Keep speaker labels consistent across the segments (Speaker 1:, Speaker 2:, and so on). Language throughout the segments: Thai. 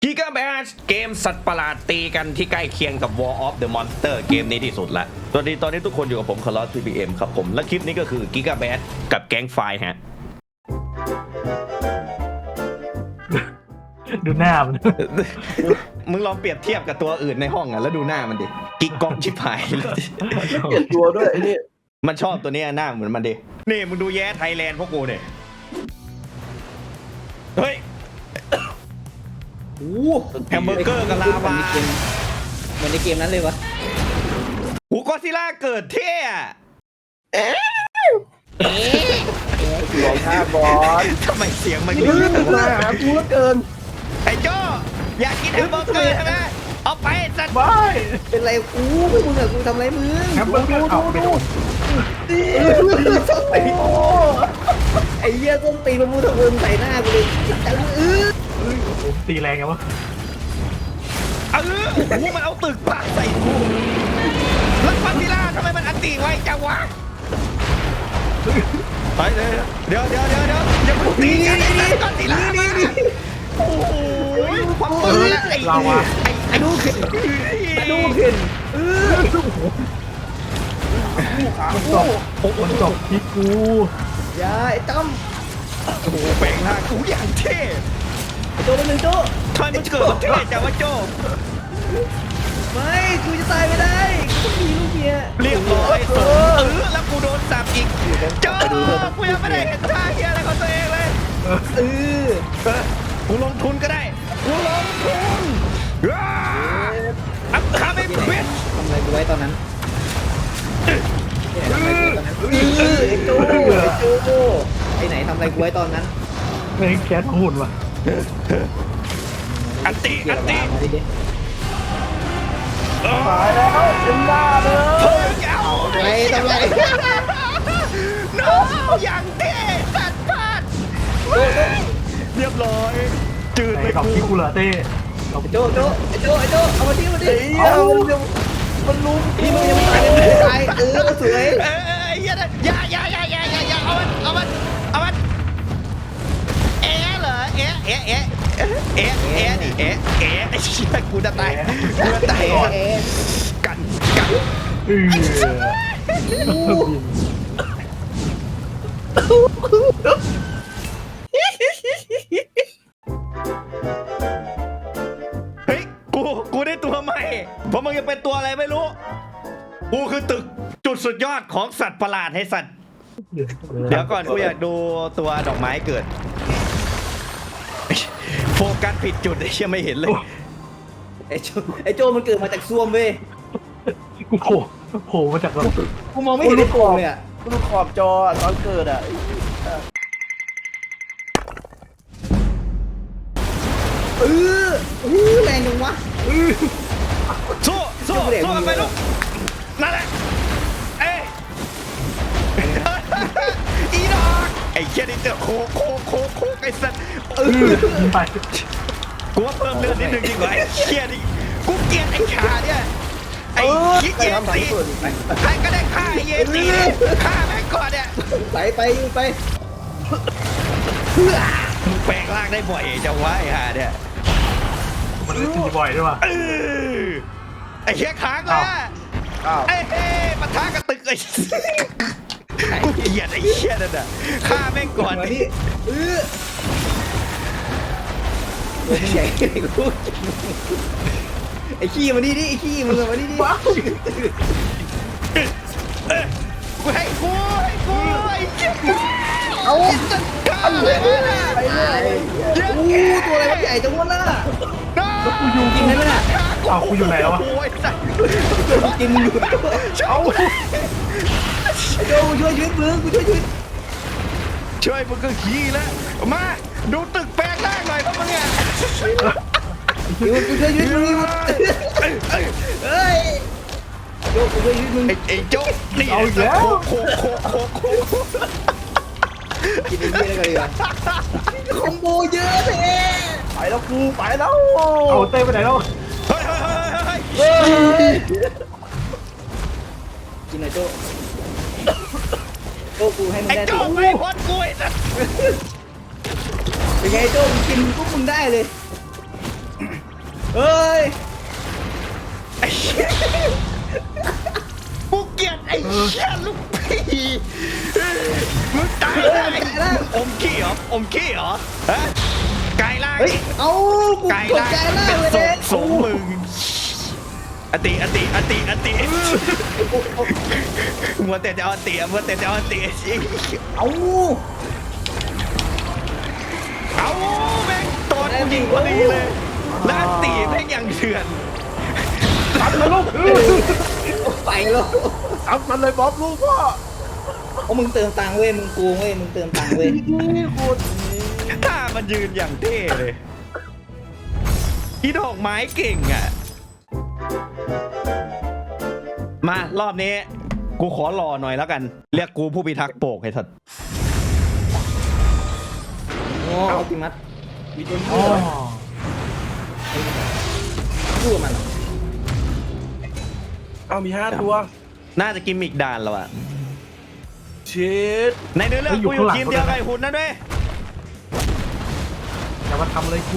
Speaker 1: กิกาแบชเกมสัตว์ประหลาดตีกันที่ใกล้เคียงกับ War of the Monster เกมนี้ที่สุดละสวัสดีตอนนี้ทุกคนอยู่กับผมคาร์ลอส PPM ครับผมและคลิปนี้ก็คือกิกาแบชกับแก๊งไฟฮะ
Speaker 2: ดูหน้ามัน
Speaker 1: มึงลองเปรียบเทียบกับตัวอื่นในห้องอ่ะแล้วดูหน้ามันดิกิกกองชิบหายเลย
Speaker 3: เปลี่ยนตัวด้วยไอ้นี่
Speaker 1: มันชอบตัวเนี้ยหน้าเหมือนมันดินี่มึงดูแย่ไทยแลนด์พวกกูเนี่ยเฮ้ย
Speaker 3: โอ้
Speaker 1: แฮมเบอร์เกอร์กับลาวา
Speaker 3: เหมือนในเกมนั้นเลยวะ
Speaker 1: หูกอซิล่าเกิดเท่อะ
Speaker 3: ลองท่าบอล
Speaker 1: ทำไมเสียงมัน
Speaker 3: นี่มันมาหากูแล้วเกิน
Speaker 1: ไอ้โจ้อยากกินแฮมเบอร์เกอร์ใช่ไหมเอาไปสัตว์
Speaker 2: ไม่
Speaker 3: เป็นไรกูไม่มึงอะกูทำอะไรมึง
Speaker 2: แฮมเบอร์เกอร์เอาไปโดน
Speaker 3: ไอ้เหี้ยต้นตีมันมูทะเวินใส่หน้ากูเลยจัง
Speaker 2: ผมตีแรงไงวะ
Speaker 1: หูมันเอาตึกปาใส่กูแล้วกอซิล่าทำไมมันอันตีไวจังวะไปเลยเดี๋ยวอย่ามาตีกันไอ้กอซิล่ามาโอ้โหความปืนไอ้
Speaker 2: ลาวา
Speaker 3: ไอ้ดูเข็นดูเข็น
Speaker 2: มันจบที่กู
Speaker 3: อย่าไอ้ตั้ม
Speaker 1: โอ้โหแปลงร่างกูอย่างเท่
Speaker 3: ไอ้โจมันหนึ่งโจ
Speaker 1: ทำไมมันเกิดมาเท่จังวะโจ้
Speaker 3: ไม่กูจะตายไม่ได้กูมีลูกเมีย
Speaker 1: เรียบร้อยแล้วกูโดนสับอีกโจ้กูยังไม่ได้เห็นท่าเฮียอะไรของตัวเองเลย กูลงทุนก็ได้กูลงทุนอัพคาไม่เบ็ด
Speaker 3: ทำอะไรกูไว้ตอนนั้นไอ้โจไอ้ไหนทำอะไรกูไว้ตอนนั้น
Speaker 2: ไม่แคสหุ่นว่ะ
Speaker 1: อันตี
Speaker 3: มาดิดิ
Speaker 1: ตายแล้วเต็มหน้าเลยเฮ้ยเอา
Speaker 3: ไอ้ทำไร
Speaker 1: น้องอย่างเท่สัตว์พลาดเรียบร้อยจืด
Speaker 2: ไอ้
Speaker 1: เลย
Speaker 2: ดอก
Speaker 1: กู
Speaker 2: ที่กูเหลือเต้ดอก
Speaker 3: โจเอามาดิมันรู้นี่มึงยังไม่ตายสวย
Speaker 1: อย่าเอามันเหรอดิไอ้เชี่ยกูจะตายกัน เฮ้ยกูได้ตัวใหม่เพราะมึงจะเป็นตัวอะไรไม่รู้กูคือตึกจุดสุดยอดของสัตว์ประหลาดให้สัตว์เดี๋ยวก่อนกูอยากดูตัวดอกไม้เกิดโฟกัสผิดจุดไอ้เชี่ยไม่เห็นเลย
Speaker 3: ไอ้โจมันเกิดมาจากซ่วมเว้ย
Speaker 2: กูโผล่มาจากแบบ
Speaker 3: กูมองไม่เห็นในกล่องเลยอ่ะ
Speaker 4: กูดูขอบจอตอนเกิดอ่ะ
Speaker 3: แรงจังวะ
Speaker 1: สู้กันไปลูกนั่นแหละเอ้ยอีดอกไอ้เชี่ยนี่เจอโคกไอ้สัตว์
Speaker 2: ยิงไป
Speaker 1: กูว่าเพิ่มเลือดนิดนึงดีกว่าไอ้เชี่ยนี่กูเกลียดไอ้ขาเนี่ยไอ้ยิงเย็นตีใครก็ได้ฆ่าไอ้เย็นตีฆ่าแม่งก่อนเนี่ย
Speaker 3: ไป
Speaker 1: มึงแปลงร่างได้บ่อยจังวะไอ้ห่าเนี่ย
Speaker 2: มันตีบ่อยด้วยว่ะ
Speaker 1: ไอ้เชี่ยค้างละ
Speaker 4: อ้าว
Speaker 1: ไอ้เฮ้ปะทะกระตึกไอ้กูเกลียดไอ้เชี่ยนั่นน่ะฆ่าแม่งก่อน
Speaker 3: มา
Speaker 1: ดิ
Speaker 3: ดิตัวใหญ่กูไอ้ขี้มาดิไอ้ขี้มึงมาดิ
Speaker 1: กูให้กูไอ้เชี่ย
Speaker 3: เอา
Speaker 1: ฆ่าเลยนะ
Speaker 3: ไปเลยตัวอะไรวะใหญ่จังวะล่ะ
Speaker 2: แล้วกูอยู่
Speaker 3: กินได้ไหมล่ะ
Speaker 2: เอากูอยู่ไหนแล้ววะ
Speaker 1: โอ้ยสัตว์
Speaker 3: กินอยู่
Speaker 1: เอา
Speaker 3: ไอ้โจกูช่วยชีวิตมึงกูช่วยชีวิต
Speaker 1: ช่วยมึงก็ขี้แล้วมาดูตึกแปลงร่างหน่อยพวกมึงเนี่ย
Speaker 3: กูช่วยชีวิตมึงเฮ้ยโจกูช่วยชีวิตมึง
Speaker 1: ไอ้โจ๊กนี่โค
Speaker 3: กินไอ้เหี้ยได้กันดีกว่าคอมโบเยอะแท้
Speaker 4: ไปแล้วกูไปแล้ว
Speaker 2: เอาเต้ไปไหนแล้ว
Speaker 1: เฮ้ย
Speaker 3: กินหน่อยโจกูให้มึง
Speaker 1: ไอ้
Speaker 3: ได้
Speaker 1: โจ๊กไม่พ้นกูไอ้สัตว์
Speaker 3: เป็นไงโจกินพวกมึงได้เลยเฮ้ย
Speaker 1: ไอ้เหี้ยกูเกลียดไอ้เหี้ยลูกพี่มึงตายได้อมขี้เหรออมขี้เหรอฮะไก่ล่าง
Speaker 3: เฮ้ยเอากู
Speaker 1: ไก่
Speaker 3: กด
Speaker 1: ล่าง
Speaker 3: ใจล่างเลย
Speaker 1: เป็น
Speaker 3: เด็ก
Speaker 1: สงมึงอติมัวแต่จะเอาอติมัวแต่จะเอาอติ
Speaker 3: เอา
Speaker 1: เอาแม่งตอนกูยิงพอดีเลยแล้วอติแม่งยังเถื่อน
Speaker 2: ตัดมาลูก
Speaker 3: ไปแล้ว
Speaker 4: เอามันเลยบ๊อบลูกพ่อ
Speaker 3: โอ้มึงเติมตังค์เว้ยมึงโกงเว้ยมึงเติมตังค์เว้ย
Speaker 4: นี่คุณ
Speaker 1: ถ้ามันยืนอย่างเท่เลยอีดอกไม้เก่งอ่ะมารอบนี้กูขอรอหน่อยแล้วกันเรียกกูผู้พิทักษ์โปกไอ้สัตว์
Speaker 3: โอ้เอาติมัส
Speaker 4: มีตัว
Speaker 2: อ๋อ
Speaker 3: พูดมัน
Speaker 4: เอามี5ตัว
Speaker 1: น่าจะกิมมิกด่านแล้วอะ
Speaker 4: เช็ด
Speaker 1: ในเนื้อเรื่องกูอยู่ทีมเดียวกับไอ้หุ่นนั่นด้วย
Speaker 2: อย่ามาทำอะไรกู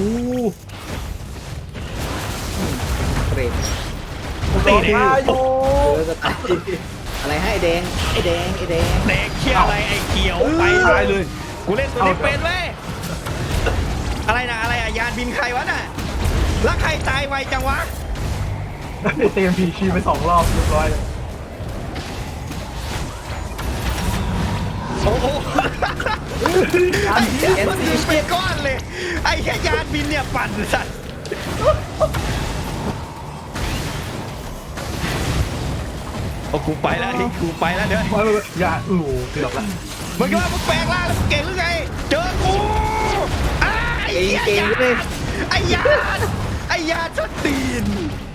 Speaker 3: เกรด
Speaker 1: ตีเด็ก
Speaker 4: มาโย
Speaker 3: เออก็ตายอะไรให้ไอ้แดงไอ้แดงไอ้แดง
Speaker 1: เด็กเขี้ยวอะไรไอ้เขียวไป
Speaker 4: ตายเลย
Speaker 1: กูเล่นตัวนี้เป็นเว้ยอะไรนะอะไรอะยานบินใครวะน่ะแล้วใครตายไวจังวะ
Speaker 2: ได้เต็มพีชีไป2 รอบเรียบร้อยเลย
Speaker 1: โอ้โหไอ้เหี้ยมันบินเป็นก้อนเลยไอ้แค่ยานบินเนี่ยปั่นสัตว์โอ้กูไปแล้วกูไปแล้วเดี๋ยว
Speaker 2: ไปอย่าเกือบละ
Speaker 1: มึงคิดว่ามึงแปลงร่างแล้วมึงเก่งหรือไงเจอกูอ้าไอ้
Speaker 3: เก่ง
Speaker 1: เหี้ย
Speaker 3: เก่งเลย
Speaker 1: ไอ้ยานไอ้ยานชดตีน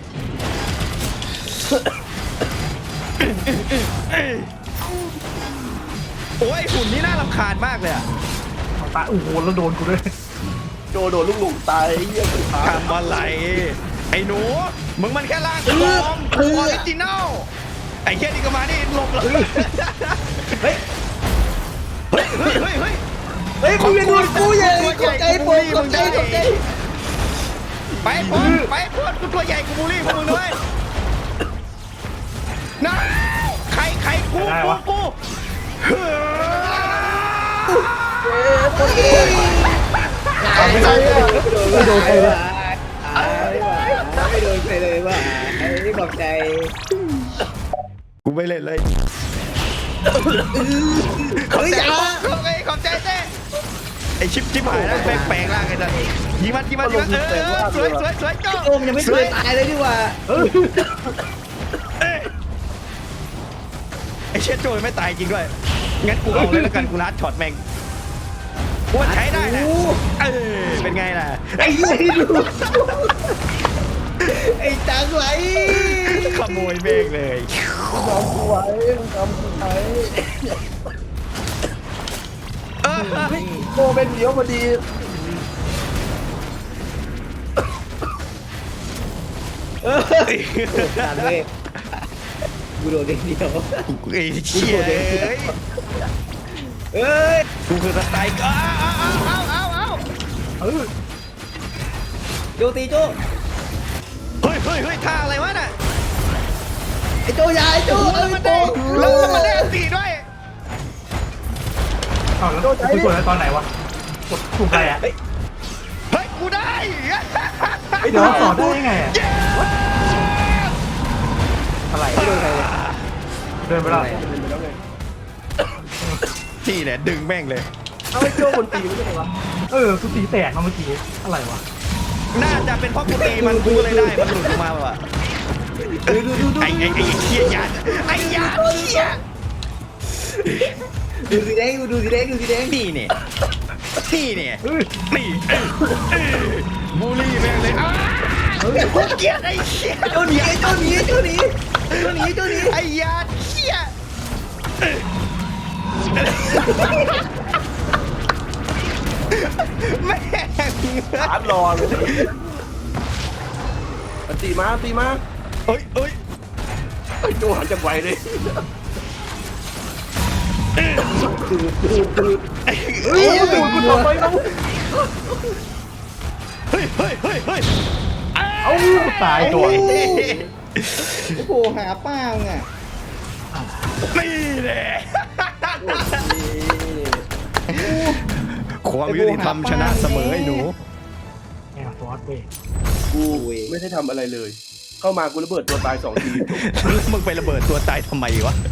Speaker 1: โอ้ยหุ่นนี่น่ารำคาญมากเลยอะ
Speaker 2: ตาโอ้โหแล้วโดนกูด้วย
Speaker 4: โดนลูกหลงตายไอ้เหี้ยสุดท้าย
Speaker 1: ทำอะไรไอ้หนูมึงมันแค่ร่างปลอมออริจินัลไอ้แค่นี้ก็มานี่หลบเลย
Speaker 3: เฮ้ย
Speaker 1: เฮ้ยเฮ้ยเฮ้ยเฮ้ย
Speaker 3: เฮ้ยมึงอย่าดูกูอย่า
Speaker 1: ตัว
Speaker 3: กดใจผมกดใจกดใจ
Speaker 1: ไปพ้นไปพ้นกูตัวใหญ่กูบูลลี่พวกมึงด้วยนะใครกูเฮ้ย
Speaker 3: ไม่โดนไม่โดนใครเลยไม่โดนใครเลยว่ะไอ้บอกใจ
Speaker 1: กูไม่เล่นเลย
Speaker 3: เฮ้ยอย่า
Speaker 1: ขอบใจเต้ไอชิปหายแล้วแปลงร่างไอ้สัสยิงมันสวยเจ้า
Speaker 3: โอมยังไม่เคยตายเลยดีกว่า
Speaker 1: ไอเชี่ยโจยไม่ตายจริงด้วยงั้นกูเอาเลยแล้วกันกูรัดช็อตแม่งกูใช้ได้นะเป็นไงล่ะ
Speaker 3: ไอ้ยี่ดูไอ้จังไหล
Speaker 1: ขโมยแม่งเลย
Speaker 4: ทำกูไว้มึงทำกูไว้ โมเป็นเดียวพอดี
Speaker 3: ตันเว้ยกูโดนเดียว
Speaker 1: ไอ้เชี่ย
Speaker 3: เอ้ย
Speaker 1: กูคือสไตล์เอา
Speaker 3: โจตีโจ
Speaker 1: เฮ้ยท่าอะไรวะน่ะ
Speaker 3: ไอ้โจยาไอ้โจ
Speaker 1: แล้วมันได้ตีด้วย
Speaker 2: อ้าวแล้วกูกดอะไรตอนไหนวะกดถูกอะไรอ่ะ
Speaker 1: เฮ้ยกูได้
Speaker 2: เดี๋ยวสอนได้ยังไงอ่ะอะไร
Speaker 3: ไม่โดนใครเลย
Speaker 2: เดินไปแล้ว
Speaker 1: นี่แหละดึงแม่งเลย
Speaker 4: เอาไอ้โจ้คนตีไม่ใช่เหรอวะ
Speaker 2: กูตีแตกมาเมื่อกี้อะไรวะ
Speaker 1: น่าจะเป็นเพราะกูตีมันกูเลยได้มันหลุดออกมาว่ะ
Speaker 3: ดู
Speaker 1: ไอ้เชี่ยยานไอ้ยานเชี่ย
Speaker 3: ดูสีแดงดูสีแดงดูสีแดง
Speaker 1: นี่เนี่ยนี่บูลลี่แม่งเลยกูเกลียดไอ้เชี่ย
Speaker 3: โจหนีโจหนีโจหนีโจหนีโจหนี
Speaker 1: ไอ้ยานเชี่ยแม่ง
Speaker 4: ชาร์จรอเลยตีมา
Speaker 1: เอ้ย
Speaker 4: ไอ้โจ้หันจังไวเลย
Speaker 2: เฮ้ยกูทำไมแล้ว
Speaker 1: เฮ้ย
Speaker 2: เอาตายตัว
Speaker 3: โอ้โหหาป้ามึงอ่ะ
Speaker 1: นี่แหละความยุติธรรมชนะเสมอไอ้หนู
Speaker 2: แอบฟอสเว้ย
Speaker 4: กูไม่ได้ทำอะไรเลย เข้ามากูระเบิดตัวตาย2 ที
Speaker 1: แล้วมึงไประเบิดตัวตายทำไมวะ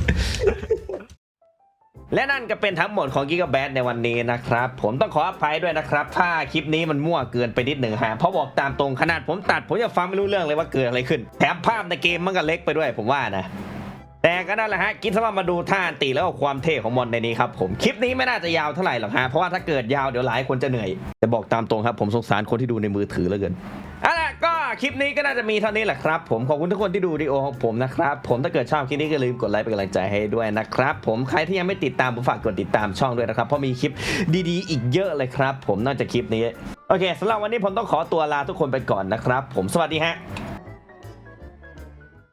Speaker 1: และนั่นก็เป็นทั้งหมดของกิกะแบทในวันนี้นะครับ ผมต้องขออภัยด้วยนะครับ ถ้าคลิปนี้มันมั่วเกินไปนิดหนึ่งฮะเพราะบอกตามตรงขนาดผมตัดผมยังฟังไม่รู้เรื่องเลยว่าเกิดอะไรขึ้น แถมภาพในเกมมันก็เล็กไปด้วยผมว่านะ แต่ก็นั่นแหละฮะกินสำหรับมาดูท่าอันตีแล้วก็ความเท่ของมอนในนี้ครับผมคลิปนี้ไม่น่าจะยาวเท่าไหร่หรอกฮะเพราะว่าถ้าเกิดยาวเดี๋ยวหลายคนจะเหนื่อยแต่บอกตามตรงครับผมสงสารคนที่ดูในมือถือเหลือเกินเอาล่ะก็คลิปนี้ก็น่าจะมีเท่านี้แหละครับผมขอบคุณทุกคนที่ดูวิดีโอของผมนะครับผมถ้าเกิดชอบคลิปนี้ก็ลืมกดไลค์เป็นกำลังใจให้ด้วยนะครับผมใครที่ยังไม่ติดตามผมฝากกดติดตามช่องด้วยนะครับเพราะมีคลิปดีๆอีกเยอะเลยครับผมนอกจากคลิปนี้โอเคสำหรับวันนี้ผมต้องขอตัวลาทุกคนไปก่อนนะครับผมสวัสดีฮะ